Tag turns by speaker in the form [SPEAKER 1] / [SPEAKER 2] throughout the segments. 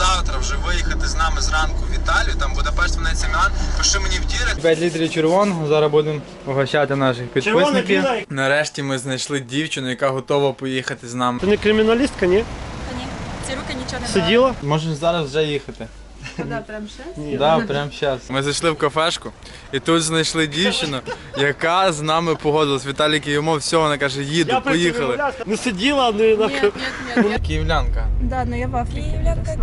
[SPEAKER 1] завтра вже виїхати з нами зранку в Італію, там Будапешт, Венеція, Мілан, пиши мені в дірект. 5 літрів червоного, зараз будемо угощати наших підписників. Нарешті ми знайшли дівчину, яка готова поїхати з нами.
[SPEAKER 2] Ти не криміналістка, ні?
[SPEAKER 3] Ні, ці руки нічого не
[SPEAKER 2] Сиділа?
[SPEAKER 1] Можеш зараз вже їхати.
[SPEAKER 3] Да, прям ще?
[SPEAKER 2] Ні.
[SPEAKER 1] Да, прямо зараз. Ми зайшли в кафешку і тут знайшли дівчину, яка з нами погодилась. Віталік їй умов, все, вона каже, їду, поїхали.
[SPEAKER 2] Не сиділа, не на...
[SPEAKER 3] Ні.
[SPEAKER 1] Київлянка.
[SPEAKER 3] Да, ну я в Африці. Київлянка,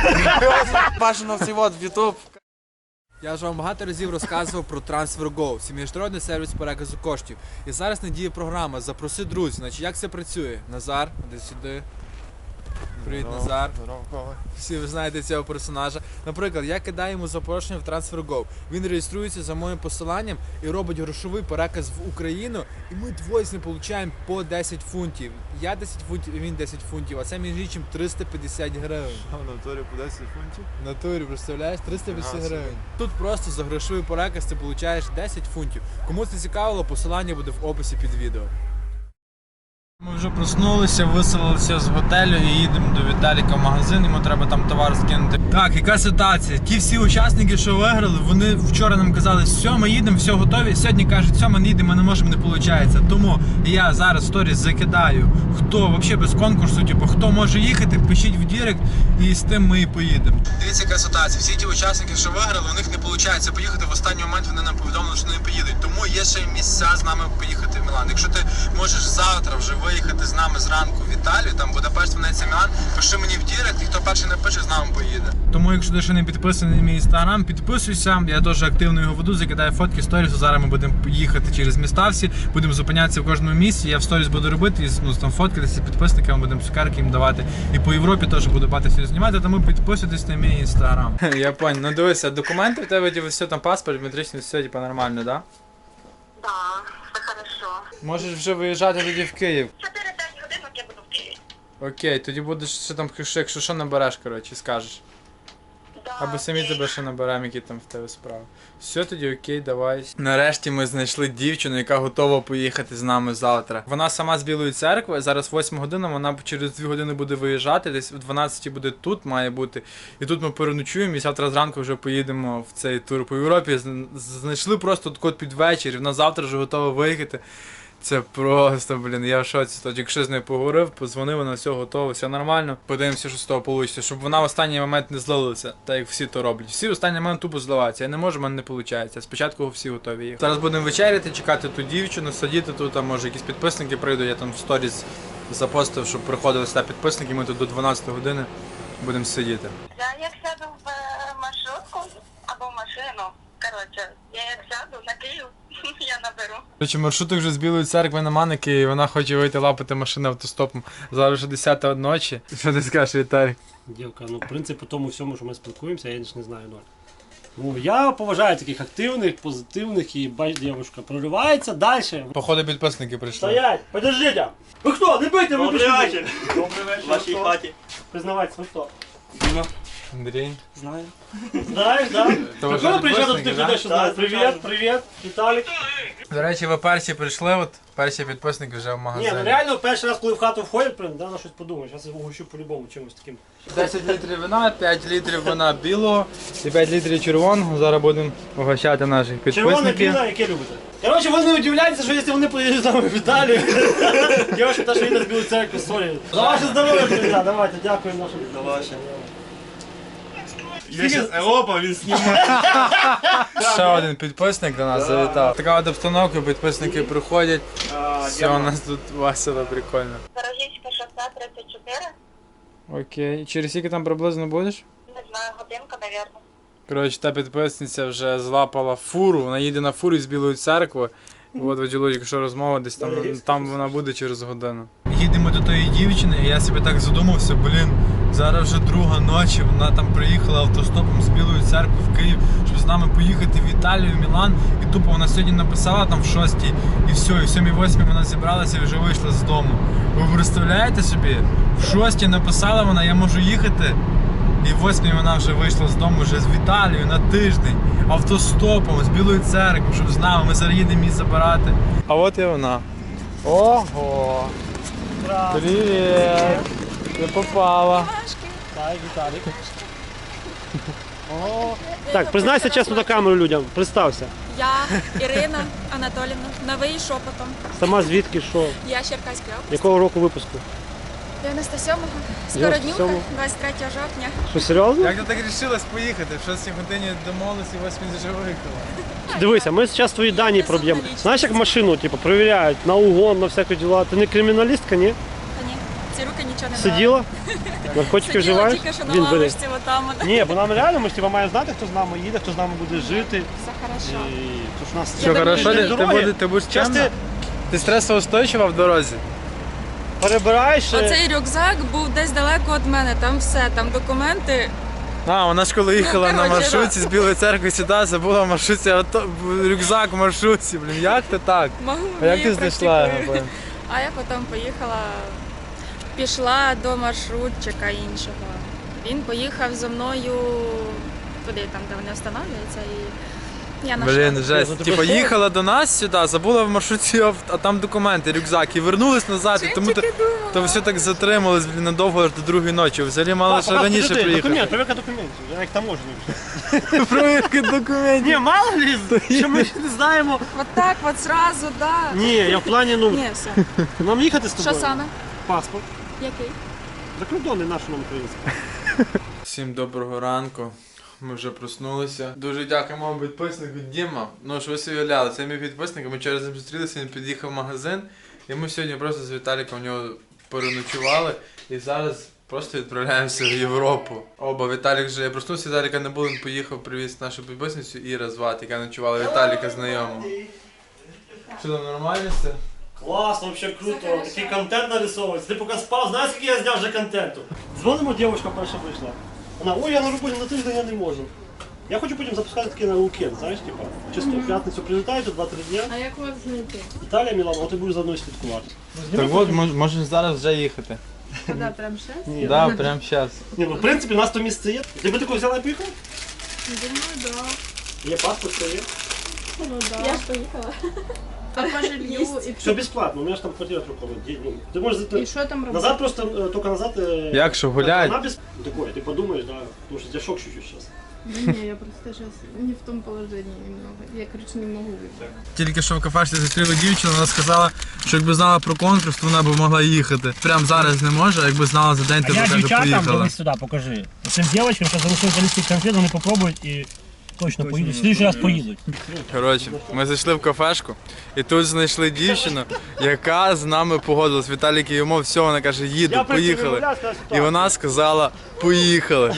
[SPEAKER 1] Бажано всі в Ютуб.
[SPEAKER 4] Я вже вам багато разів розказував про TransferGo, це міжнародний сервіс переказу коштів. І зараз надіє програма «Запроси друзів». Значить, як це працює? Назар, іди сюди. Привіт, Назар. Всі ви знаєте цього персонажа. Наприклад, я кидаю йому запрошення в TransferGo. Він реєструється за моїм посиланням і робить грошовий переказ в Україну. І ми двоє з ним отримуємо по 10 фунтів. Я 10 фунтів і він 10 фунтів. А це між іншим 350 гривень.
[SPEAKER 1] А в натурі по 10 фунтів?
[SPEAKER 4] В натурі, представляєш? 350 гривень. Тут просто за грошовий переказ ти отримуєш 10 фунтів. Кому це цікавило, посилання буде в описі під відео.
[SPEAKER 1] Ми вже проснулися, виселилися з готелю і їдемо до Віталіка в магазин, йому треба там товар скинути. Так, яка ситуація? Ті всі учасники, що виграли, вони вчора нам казали, все, ми їдемо, все готові. Сьогодні кажуть, все, ми не їдемо, ми не можемо, не виходить. Тому я зараз в сторіс закидаю, хто взагалі без конкурсу, типу, хто може їхати, пишіть в директ і з тим ми і поїдемо. Дивіться, яка ситуація. Всі ті учасники, що виграли, у них не виходить поїхати. В останній момент вони нам повідомили, що не поїдуть. Тому є ще місця з нами поїхати в Мілан. Якщо ти можеш завтра вже виїхати з нами зранку в Італію, там Будапешт, Венеція, Мілан, пиши мені в директ, і хто перший напише, з нами поїде. Тому якщо ти ще не підписаний на мій інстаграм, підписуйся. Я теж активно його веду, закидаю фотки, сторіс. Зараз ми будемо їхати через міста всі, будемо зупинятися в кожному місці. Я в сторіс буду робити, і там фоткатися підписникам, будемо цукерки їм давати. І по Європі теж буду багато всього знімати, тому підписуйтесь на мій інстаграм. Я понял. Ну дивися, документи в тебе все там паспорт, метричний, все типа нормально, да?
[SPEAKER 5] Да, все хорошо.
[SPEAKER 1] Можеш вже виїжджати тоді в Київ.
[SPEAKER 5] 4-5 годинок я буду в Києві.
[SPEAKER 1] Окей, тоді будеш ще там, якщо що набереш, коротше, скажеш.
[SPEAKER 5] Да,
[SPEAKER 1] Або самі
[SPEAKER 5] окей.
[SPEAKER 1] тебе ще наберемо, які там в тебе справи. Все, тоді окей, давай. Нарешті ми знайшли дівчину, яка готова поїхати з нами завтра. Вона сама з Білої церкви, зараз 8 година, вона через 2 години буде виїжджати, десь в 12 буде тут, має бути. І тут ми переночуємо, і завтра зранку вже поїдемо в цей тур по Європі. Знайшли просто код під вечір, і вона завтра вже готова виїхати. Це просто, блін, я в шоці. Тоді, якщо з нею поговорив, подзвонив, вона все готово, все нормально. Подивимося, що з того вийде, щоб вона в останній момент не злилася, так як всі то роблять. Всі в останній момент тупо зливаються. Я не можу, в мене не виходить. Спочатку всі готові їхати. Зараз будемо вечеряти, чекати ту дівчину, сидіти тут, а може якісь підписники прийдуть. Я там в сторіс запостив, щоб приходили сюди підписники, ми тут до 12 години будемо сидіти.
[SPEAKER 5] Я як сяду в маршрутку або в машину, коротше, я як сяду на Київ, я наберу.
[SPEAKER 1] Короче, маршруток вже з Білої церкви на Маники, і вона хоче вийти лапати машину автостопом. Зараз вже 10 ночі. Що ти скажеш, Віталій?
[SPEAKER 2] Дівка, ну в принципі, по тому всьому, що ми спілкуємося, я не знаю ноль. Ну, я поважаю таких активних, позитивних і бач, дівчинка проривається далі.
[SPEAKER 1] Походу підписники прийшли.
[SPEAKER 2] Стоять! Подождіть! Ви хто? Не бийте, ви
[SPEAKER 6] Добрий вечір.
[SPEAKER 2] Добрий вечір.
[SPEAKER 6] В вашій хаті.
[SPEAKER 2] Признавайтесь, ви хто?
[SPEAKER 6] Діма.
[SPEAKER 1] Андрій.
[SPEAKER 6] Знаю.
[SPEAKER 2] Знаєш, так?
[SPEAKER 1] То ви
[SPEAKER 2] Прикольно приїжджати до
[SPEAKER 1] підписники,
[SPEAKER 2] тих
[SPEAKER 1] да?
[SPEAKER 2] людей, що знають. Привіт, привіт, Віталік.
[SPEAKER 1] До речі, ви перші прийшли, от перші підписники вже в
[SPEAKER 2] Ні,
[SPEAKER 1] магазині.
[SPEAKER 2] ну реально перший раз, коли в хату входять, прям, да, на щось подумаєш. Зараз я угощу по-любому чимось таким.
[SPEAKER 1] 10 літрів вина, 5 літрів вина білого і 5 літрів червоного. Зараз будемо угощати наших
[SPEAKER 2] Червоне
[SPEAKER 1] підписників.
[SPEAKER 2] піно, яке любите? Коротше, ви не удивляєтеся, що якщо вони поїдуть з нами в Італію, дівчинка та, що їде з Білої церкви, сорі. За ваше здоров'я, друзі, давайте, дякуємо нашим.
[SPEAKER 6] До ваше. Я зараз Європа, він знімає.
[SPEAKER 1] Ще один підписник до нас завітав. Така от обстановка, підписники приходять. Все, у нас тут весело, прикольно.
[SPEAKER 5] Дорогівське шосе 34,
[SPEAKER 1] Окей. Через скільки там приблизно будеш?
[SPEAKER 5] не знаю, годинка, навірно.
[SPEAKER 1] Коротше, та підписниця вже злапала фуру, вона їде на фурі з Білої церкви. От воділо, якщо розмова десь там вона буде через годину. Їдемо до тої дівчини, і я собі так задумався, блін, зараз вже 2 ночі, вона там приїхала автостопом з Білої церкви в Київ, щоб з нами поїхати в Італію, в Мілан. І тупо вона сьогодні написала там в 6-й, і все, і в 7-8 вона зібралася і вже вийшла з дому. Ви представляєте собі? В 6-й написала вона, я можу їхати. І в 8-й вона вже вийшла з дому вже з Італії на тиждень, автостопом, з Білої церкви, щоб з нами, ми зараз їдемо її забирати. А от і вона. Ого! Привіт! Ти попала.
[SPEAKER 2] Вітаю, Віталік. О, так, признайся чесно на камеру людям, представся.
[SPEAKER 3] Я Ірина Анатолівна, новий шепотом.
[SPEAKER 2] Сама звідки, що,
[SPEAKER 3] Я Черкаської області.
[SPEAKER 2] якого року випуску?
[SPEAKER 3] 97-го. Скороднюха,
[SPEAKER 2] 97-го.
[SPEAKER 3] 23 жовтня.
[SPEAKER 2] Що, серйозно?
[SPEAKER 1] Як ти так рішилась поїхати? В 6 годині домовились і 8 вже виїхала.
[SPEAKER 2] Дивися, ми зараз твої дані проб'ємо. Знаєш, як машину, типу, перевіряють на угон, на всякі діла. Ти не криміналістка, ні?
[SPEAKER 3] Та ні, ці руки нічого не брали.
[SPEAKER 2] Сиділа? Наркотики
[SPEAKER 3] Сиділа
[SPEAKER 2] вживаєш?
[SPEAKER 3] тільки що на
[SPEAKER 2] Він бери.
[SPEAKER 3] лавочці отам.
[SPEAKER 2] Ні, бо нам реально, ми ж типу, маємо знати, хто з нами їде, хто з нами буде жити.
[SPEAKER 3] Все хорошо.
[SPEAKER 2] І то ж у нас
[SPEAKER 1] Що, хорошо,
[SPEAKER 2] Ти
[SPEAKER 1] ти будеш
[SPEAKER 2] Щас
[SPEAKER 1] чемна?
[SPEAKER 2] ти
[SPEAKER 1] Ти стресоустойчива в дорозі?
[SPEAKER 2] перебираєш.
[SPEAKER 3] Оцей рюкзак був десь далеко від мене, там все, там документи.
[SPEAKER 1] А, вона ж коли їхала на
[SPEAKER 3] коротше,
[SPEAKER 1] маршрутці з Білої церкви сюди, забула в маршрутці, рюкзак в маршрутці, блін, як ти так?
[SPEAKER 3] Могу,
[SPEAKER 1] А як ти
[SPEAKER 3] вмію,
[SPEAKER 1] знайшла його?
[SPEAKER 3] практикую. А я потім пішла до маршрутчика іншого. Він поїхав зі мною туди, там, де вони встановлюються, і я
[SPEAKER 1] Блін,
[SPEAKER 3] знайшла.
[SPEAKER 1] жесть.
[SPEAKER 2] Ну, ти
[SPEAKER 1] Типа
[SPEAKER 2] пішла?
[SPEAKER 1] їхала до нас сюди, забула в маршрутці, а там документи, рюкзак, і вернулись назад, і тому то все так затрималось, блін, надовго аж до другої ночі. Взагалі мали ще раніше приїхати.
[SPEAKER 2] Документ, перевірка документів, я як таможник.
[SPEAKER 1] Провірки документів.
[SPEAKER 2] Ні, мало ли, що ми ще не знаємо.
[SPEAKER 3] От так, от зразу, да.
[SPEAKER 2] Ні, я в плані, ну,
[SPEAKER 3] Ні, все.
[SPEAKER 2] нам їхати з тобою.
[SPEAKER 3] Що саме?
[SPEAKER 2] Паспорт.
[SPEAKER 3] Який?
[SPEAKER 2] Закордонний наш нам український.
[SPEAKER 1] Всім доброго ранку. Ми вже проснулися. Дуже дякуємо вам підписнику Діма. Ну що ви собі уявляли, це мій підписник, ми через ним зустрілися, він під'їхав в магазин. І ми сьогодні просто з Віталіком у нього переночували. І зараз просто відправляємося в Європу. Оба, Віталік вже, я проснувся, Віталіка не було, він поїхав, привіз нашу підписницю Іра звати, яка ночувала Віталіка знайома. Що там, нормально все?
[SPEAKER 2] Класно, взагалі круто. Такий контент нарисовується. Ти поки спав, знаєш, скільки я зняв вже контенту? Дзвонимо, дівчинка перша прийшла. Вона, ой, я на роботі на тиждень я не можу. Я хочу потім запускати таке на уикенд, знаєш, типа, чисто в п'ятницю прилітаєте, 2-3 дня.
[SPEAKER 3] А як вас знайти?
[SPEAKER 2] Італія, Мілано, от ти будеш за мною слідкувати.
[SPEAKER 1] Так от, можеш зараз вже їхати.
[SPEAKER 3] Куди, прям ще?
[SPEAKER 2] Ні,
[SPEAKER 1] Да, прямо зараз.
[SPEAKER 2] ні, ну в принципі, у нас то місце є. Ти би таку взяла і поїхала?
[SPEAKER 3] Думаю, да.
[SPEAKER 2] Є паспорт, все є.
[SPEAKER 3] Ну, да. Я ж поїхала. А по жилью і
[SPEAKER 2] Все безплатно, у мене ж там квартира трухова. Ти можеш зайти.
[SPEAKER 3] що там робити?
[SPEAKER 2] Назад просто, тільки назад.
[SPEAKER 1] Як що, гулять?
[SPEAKER 2] Вона без... Такое, ти подумаєш, да, тому що у тебе шок чуть-чуть зараз.
[SPEAKER 7] Да не, я просто сейчас не в том положении немного. Я, короче, не могу выйти.
[SPEAKER 1] Тільки що в кафешці зустріли дівчину, вона сказала, що якби знала про конкурс, то вона б могла їхати. Прямо зараз не може, а якби знала за день, то б
[SPEAKER 2] Я
[SPEAKER 1] каже,
[SPEAKER 2] дівчатам,
[SPEAKER 1] поїхала.
[SPEAKER 2] дивись сюди, покажи. Цим дівчатам, що залишили колись конфет, вони попробують і точно поїдуть. В слідчий раз поїдуть.
[SPEAKER 1] Коротше, ми зайшли в кафешку і тут знайшли дівчину, яка з нами погодилась. Віталік їй умов, все, вона каже, їду, поїхали. І вона сказала, поїхали.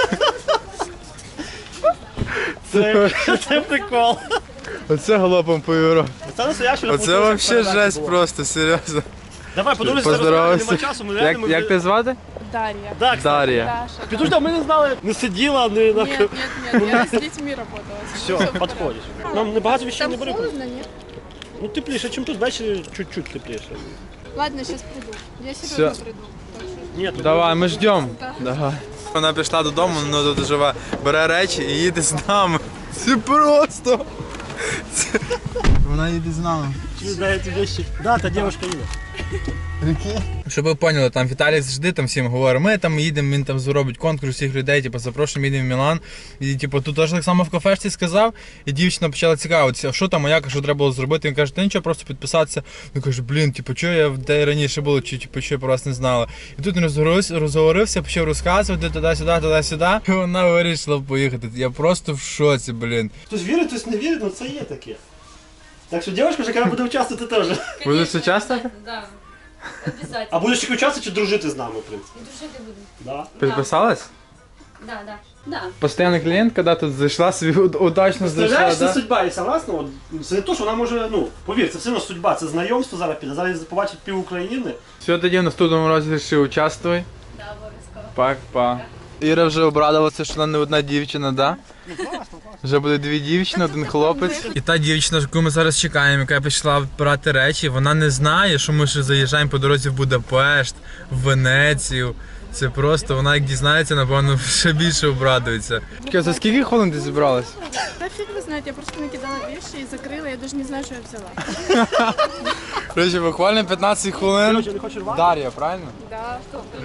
[SPEAKER 2] Це прикол.
[SPEAKER 1] Оце галопом по Європі.
[SPEAKER 2] Це настоящий.
[SPEAKER 1] Оце взагалі жесть просто, серйозно.
[SPEAKER 2] Давай, подивися,
[SPEAKER 1] Поздоровайся.
[SPEAKER 2] нема часу, ми реально...
[SPEAKER 1] Як тебе звати?
[SPEAKER 7] Дарья.
[SPEAKER 2] Да, кстати.
[SPEAKER 1] Дар'я.
[SPEAKER 7] Даша.
[SPEAKER 2] Підожди, ми не знали, не сиділа, не...
[SPEAKER 7] Нет, нет, нет, я с детьми работала.
[SPEAKER 2] Все, підходиш. Нам небагато вещей не
[SPEAKER 7] Там
[SPEAKER 2] бери.
[SPEAKER 7] холодно, нет?
[SPEAKER 2] Ну тепліше, чим тут, ввечері чуть-чуть тепліше.
[SPEAKER 7] Ладно, сейчас приду. Я серьезно приду. Так что-
[SPEAKER 2] Ні, тут
[SPEAKER 1] Давай, ми ждемо.
[SPEAKER 7] Да.
[SPEAKER 1] Давай. Вона пішла додому, вона тут живе, бере речі і їде з нами. Це просто. Вона їде з нами.
[SPEAKER 2] Чи знаєте вещи? Да, та дівчинка їде.
[SPEAKER 1] Щоб ви поняли, там Віталій завжди там всім говорить, ми там їдемо, він там зробить конкурс всіх людей, типу, запрошуємо, їдемо в Мілан. І типу, тут теж так само в кафешці сказав, і дівчина почала цікавитися, що там, а як, що треба було зробити. Він каже, та нічого, просто підписатися. Він каже, блін, типу, що я де раніше було, чи типу, що я про вас не знала. І тут він розговорився, почав розказувати туди-сюди. І вона вирішила поїхати. Я просто в шоці, блін.
[SPEAKER 2] Хтось вірить, хтось не вірить, але це є таке. Так що дівчинка вже коли буде участвувати теж.
[SPEAKER 1] Будеш участвувати?
[SPEAKER 8] Да, обязательно.
[SPEAKER 2] А будеш тільки участвувати чи дружити з нами, в принципі?
[SPEAKER 8] И дружить буду.
[SPEAKER 2] Да.
[SPEAKER 1] Підписалась?
[SPEAKER 8] Да, да. Да.
[SPEAKER 1] Постоянна клієнтка, да, тут зайшла собі удачно
[SPEAKER 2] Представляєш,
[SPEAKER 1] зайшла,
[SPEAKER 2] це
[SPEAKER 1] да?
[SPEAKER 2] судьба, і согласно, от, це не то, що вона може, ну, повір, це все одно судьба, це знайомство зараз піде, зараз побачить пів України.
[SPEAKER 1] Все, тоді в наступному розіграші участвуй.
[SPEAKER 8] Да, обов'язково.
[SPEAKER 1] Пак-па. Іра вже обрадувалася, що вона не одна дівчина, да? Вже буде дві дівчини, один хлопець. І та дівчина, яку ми зараз чекаємо, яка пішла брати речі, вона не знає, що ми ще заїжджаємо по дорозі в Будапешт, в Венецію. Це просто, вона як дізнається, напевно, ще більше обрадується. За скільки хвилин ти зібралась?
[SPEAKER 7] Да фиг вы знаете, я просто накидала вещи и закрыла, я даже не знаю, что я взяла.
[SPEAKER 1] Короче, буквально 15 хвилин.
[SPEAKER 2] Короче, не хочеш рвати?
[SPEAKER 1] Дар'я, правильно?
[SPEAKER 7] Да.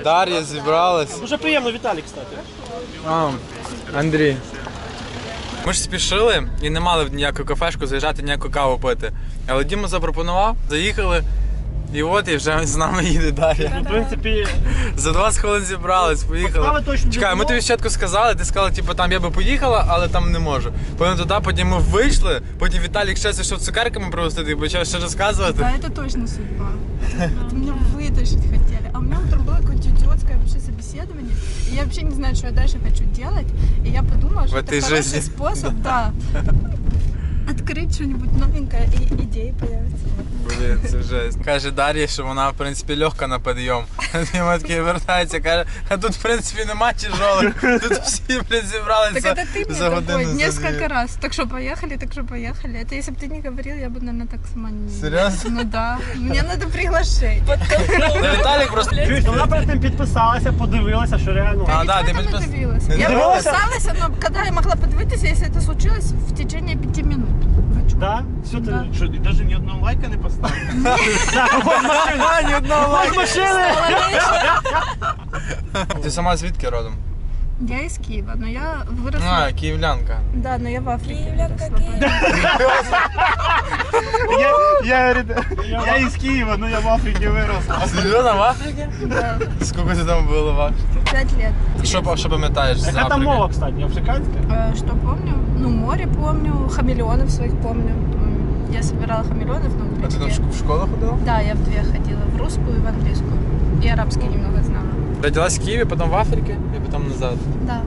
[SPEAKER 1] Дар'я зібралась.
[SPEAKER 2] Дуже приємно, Віталій, кстати.
[SPEAKER 1] Андрій. Ми ж спішили і не мали в ніяку кафешку заїжджати, ніяку каву пити. Але Діма запропонував, заїхали. І от, і вже з нами їде Дар'я.
[SPEAKER 2] В принципі,
[SPEAKER 1] За 20 хвилин зібрались, поїхали.
[SPEAKER 2] Справи точно
[SPEAKER 1] Чекай,
[SPEAKER 2] не
[SPEAKER 1] ми
[SPEAKER 2] було.
[SPEAKER 1] тобі спочатку сказали, ти сказала, типу, там я би поїхала, але там не можу. Потім туди, потім ми вийшли, потім Віталік ще зайшов цукерками привезти, і почав ще розказувати.
[SPEAKER 7] Да, это точно судьба. Это меня вытащить хотели. А у меня утром было какое-то идиотское вообще собеседование. И я вообще не знаю, что я дальше хочу делать. И я подумала, что
[SPEAKER 1] В
[SPEAKER 7] это
[SPEAKER 1] этой
[SPEAKER 7] хороший
[SPEAKER 1] жизни.
[SPEAKER 7] способ, да, открыть что-нибудь новенькое и идеи появятся.
[SPEAKER 1] Блін, це жесть. Каже Дар'я, що вона, в принципі, легка на підйом. Діма такий вертається, каже, а тут, в принципі, нема тяжелих. Тут всі, блін, зібралися
[SPEAKER 7] Так это ты мне
[SPEAKER 1] за
[SPEAKER 7] такой
[SPEAKER 1] годину. за
[SPEAKER 7] несколько
[SPEAKER 1] дві.
[SPEAKER 7] раз. Так что поехали, так что поехали. Это если бы ты не говорил, я бы, наверное, так сама не...
[SPEAKER 1] Серйозно?
[SPEAKER 7] Ну да. Мне надо приглашение.
[SPEAKER 1] Та Віталік просто...
[SPEAKER 2] чуєш, вона перед тим підписалася, подивилася, що реально.
[SPEAKER 1] А, да,
[SPEAKER 7] Ничего
[SPEAKER 1] ты
[SPEAKER 7] там
[SPEAKER 1] подпис-
[SPEAKER 7] не добилась.
[SPEAKER 1] не
[SPEAKER 7] Я
[SPEAKER 1] добилась?
[SPEAKER 7] подписалась, но когда я могла подивитися, если это случилось в течение 5 минут. Хочу.
[SPEAKER 2] Да? Все ти...
[SPEAKER 7] Да.
[SPEAKER 6] Що, і навіть ні одного лайка не поставив?
[SPEAKER 2] Так, ось машина.
[SPEAKER 1] Ні одного
[SPEAKER 2] Ось машини.
[SPEAKER 1] Ти сама звідки родом?
[SPEAKER 7] Я из Киева, но я выросла...
[SPEAKER 1] А, київлянка.
[SPEAKER 7] Да, но я в Африке выросла.
[SPEAKER 6] Я із Києва, ну я в Африці виросла.
[SPEAKER 1] Серйозно, в Африці?
[SPEAKER 7] Да,
[SPEAKER 1] Скільки ти там було в Африці?
[SPEAKER 7] 5 лет.
[SPEAKER 1] Що пам'ятаєш з
[SPEAKER 2] Яка там
[SPEAKER 1] Африки?
[SPEAKER 2] мова, кстати, африканська?
[SPEAKER 7] Что помню? Ну, море помню, хамелеонов своих помню. Я собирала хамелеонов на
[SPEAKER 1] А ти там
[SPEAKER 7] утречке.
[SPEAKER 1] в школу ходила?
[SPEAKER 7] Да, я в две ходила, в русскую и в английскую. И арабский немного знала.
[SPEAKER 1] Родилась в Києві, потім в Африці і потім назад.
[SPEAKER 7] Да.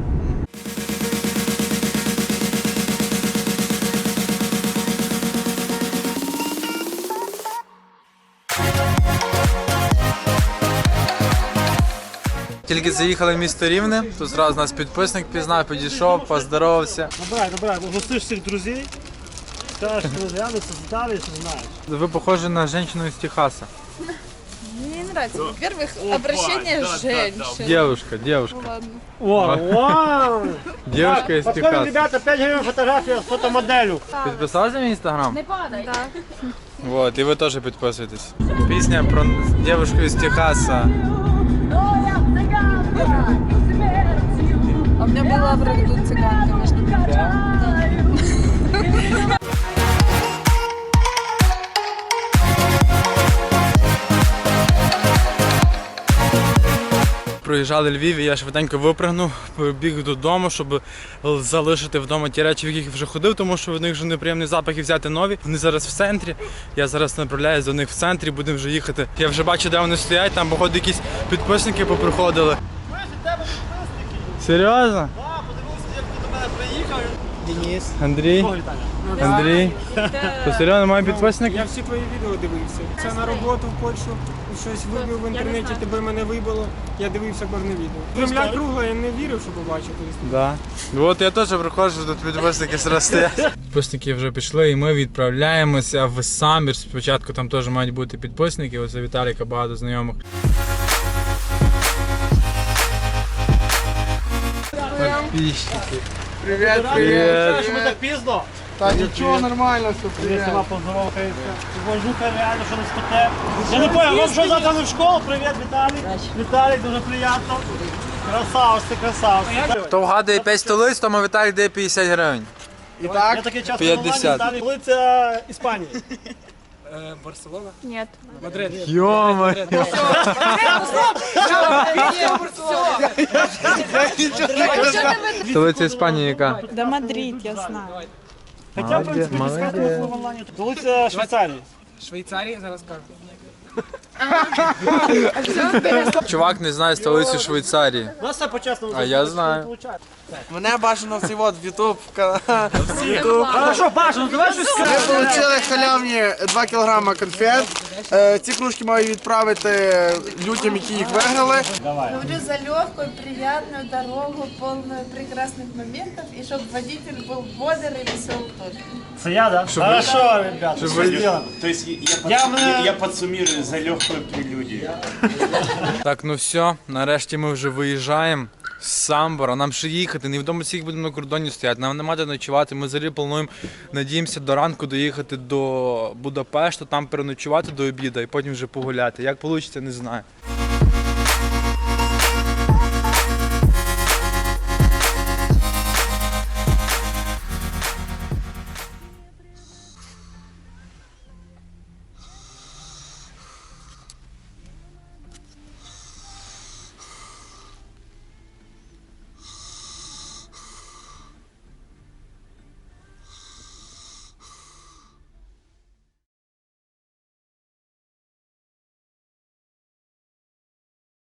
[SPEAKER 1] Тільки заїхали в місто Рівне, тут зразу нас підписник пізнав, підійшов, поздоровався.
[SPEAKER 2] Добре, гостиш всіх друзів. Скажеш, що розглянуться, здалі, що знаєш.
[SPEAKER 1] Ви похожі на жінку з Техаса.
[SPEAKER 7] Мне не нравится. Во-первых, обращение женщин.
[SPEAKER 1] Девушка.
[SPEAKER 7] Ну ладно.
[SPEAKER 2] О, вау!
[SPEAKER 1] Девушка із
[SPEAKER 2] Подходим,
[SPEAKER 1] Техаса.
[SPEAKER 2] ребята, 5 гривень фотографія з фотомоделю.
[SPEAKER 1] Підписалися на мій інстаграм?
[SPEAKER 7] Да.
[SPEAKER 1] Вот, і ви теж підписуйтесь. Пісня про дівчинку з Техаса.
[SPEAKER 7] А у меня была в роду цыганка, между прочим.
[SPEAKER 1] Проїжджали Львів, і я швиденько випрыгнув, побіг додому, щоб залишити вдома ті речі, в яких вже ходив, тому що в них вже неприємний запах і взяти нові. Вони зараз в центрі. Я зараз направляюсь до них в центрі, будемо вже їхати. Я вже бачу, де вони стоять, там, походу, якісь підписники поприходили. Серйозно?
[SPEAKER 2] Денис.
[SPEAKER 1] Андрій? Андрій? То серйозно, має підписник?
[SPEAKER 9] Я всі твої відео дивився. Це на роботу в Польщу, щось вибив в інтернеті, тебе мене вибило. Я дивився кожне відео. Земля кругла, я не вірив, що побачив.
[SPEAKER 1] Да. От я теж приходжу, тут підписники зараз стоять. Підписники вже пішли і ми відправляємося в Самбір. Спочатку там теж мають бути підписники, ось у Віталіка багато знайомих. Підписчики.
[SPEAKER 2] Привіт.
[SPEAKER 1] Привіт.
[SPEAKER 2] Що ми так пізно?
[SPEAKER 9] Та нічого, нормально, все,
[SPEAKER 2] Я сама поздоровкається. Вожуха реально, що не спите. Я не понял, вам що завтра не в школу? Привіт, Віталій. Віталій, дуже приємно. Красавець, ти красавець.
[SPEAKER 1] Хто вгадує 5 столиць, тому Віталік дає 50 гривень.
[SPEAKER 2] І так, я такий час
[SPEAKER 1] 50.
[SPEAKER 2] Віталій. Столиця Іспанії.
[SPEAKER 9] Барселона?
[SPEAKER 3] Нет.
[SPEAKER 9] Мадрид.
[SPEAKER 1] Йома. Столиця Іспанії яка?
[SPEAKER 7] Да Мадрид, я знаю.
[SPEAKER 2] Хоча, в принципі, підсказка в онлайні. Столиця Швейцарії.
[SPEAKER 9] Швейцарія, зараз кажу.
[SPEAKER 1] Чувак не знає столицю Швейцарії.
[SPEAKER 2] У нас все по-чесному.
[SPEAKER 1] А я знаю.
[SPEAKER 9] Мене бажано в цей от в YouTube канал.
[SPEAKER 2] Хорошо, Паша, ну давай щось
[SPEAKER 9] Ми
[SPEAKER 2] скажемо.
[SPEAKER 9] отримали халявні 2 кг конфет. Ці кружки маю відправити людям, які їх виграли.
[SPEAKER 7] Говорю за легкую, приятную дорогу, полную прекрасных моментов, и чтобы водитель был бодр и весел тоже.
[SPEAKER 2] Це я, да? Хорошо, ребята,
[SPEAKER 1] Щоб
[SPEAKER 2] що
[SPEAKER 1] ви-
[SPEAKER 2] зробимо?
[SPEAKER 6] То есть
[SPEAKER 2] Я
[SPEAKER 6] подсуммирую за легкую прелюдию.
[SPEAKER 1] Так, ну все, нарешті ми вже виїжджаємо з Самбора. Нам ще їхати, невідомо скільки будемо на кордоні стояти, нам нема де ночувати. Ми взагалі плануємо, надіємося до ранку доїхати до Будапешта, там переночувати до обіду і потім вже погуляти. Як вийде, не знаю.